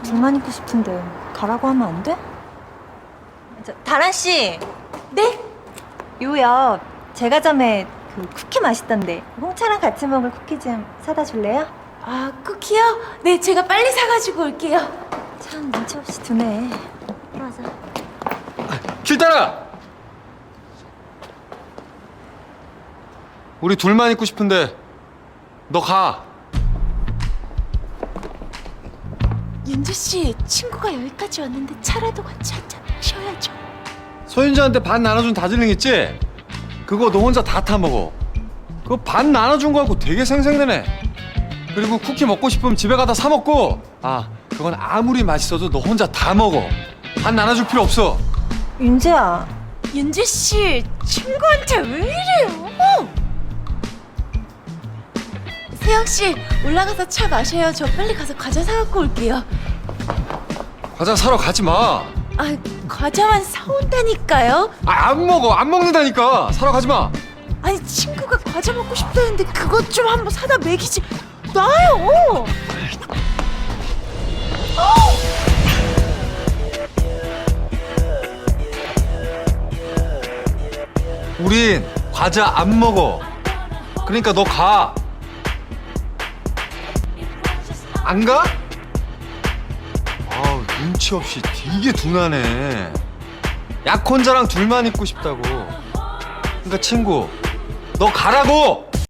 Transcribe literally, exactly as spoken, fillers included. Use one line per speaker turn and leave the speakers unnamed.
둘만 있고 싶은데 가라고 하면 안 돼? 저, 다란 씨. 네? 요요. 제가 전에 그 쿠키 맛있던데 홍차랑 같이 먹을 쿠키 좀 사다 줄래요?
아, 쿠키요? 네, 제가 빨리 사가지고 올게요.
참 눈치 없이 두네. 맞아.
길따라! 우리 둘만 있고 싶은데 너 가.
윤주 씨, 친구가 여기까지 왔는데 차라도 같이 한잔 마셔야죠.
소윤지한테 반 나눠준 다즐링 있지? 그거 너 혼자 다 타먹어. 그거 반 나눠준 거 갖고 되게 생생내네. 그리고 쿠키 먹고 싶으면 집에 가다 사 먹고. 아, 그건 아무리 맛있어도 너 혼자 다 먹어. 반 나눠줄 필요 없어.
윤재야.
윤주 씨, 친구한테 왜 이래요? 세영 씨, 올라가서 차 마셔요. 저 빨리 가서 과자 사갖고 올게요.
과자 사러 가지 마.
아, 과자만 사온다니까요.
아, 안 먹어. 안 먹는다니까. 사러 가지 마.
아니, 친구가 과자 먹고 싶다는데 그것 좀 한번 사다 먹이지. 놔요.
우린 과자 안 먹어. 그러니까 너 가. 안 가? 아우, 눈치 없이 되게 둔하네. 약 혼자랑 둘만 있고 싶다고. 그러니까 친구, 너 가라고!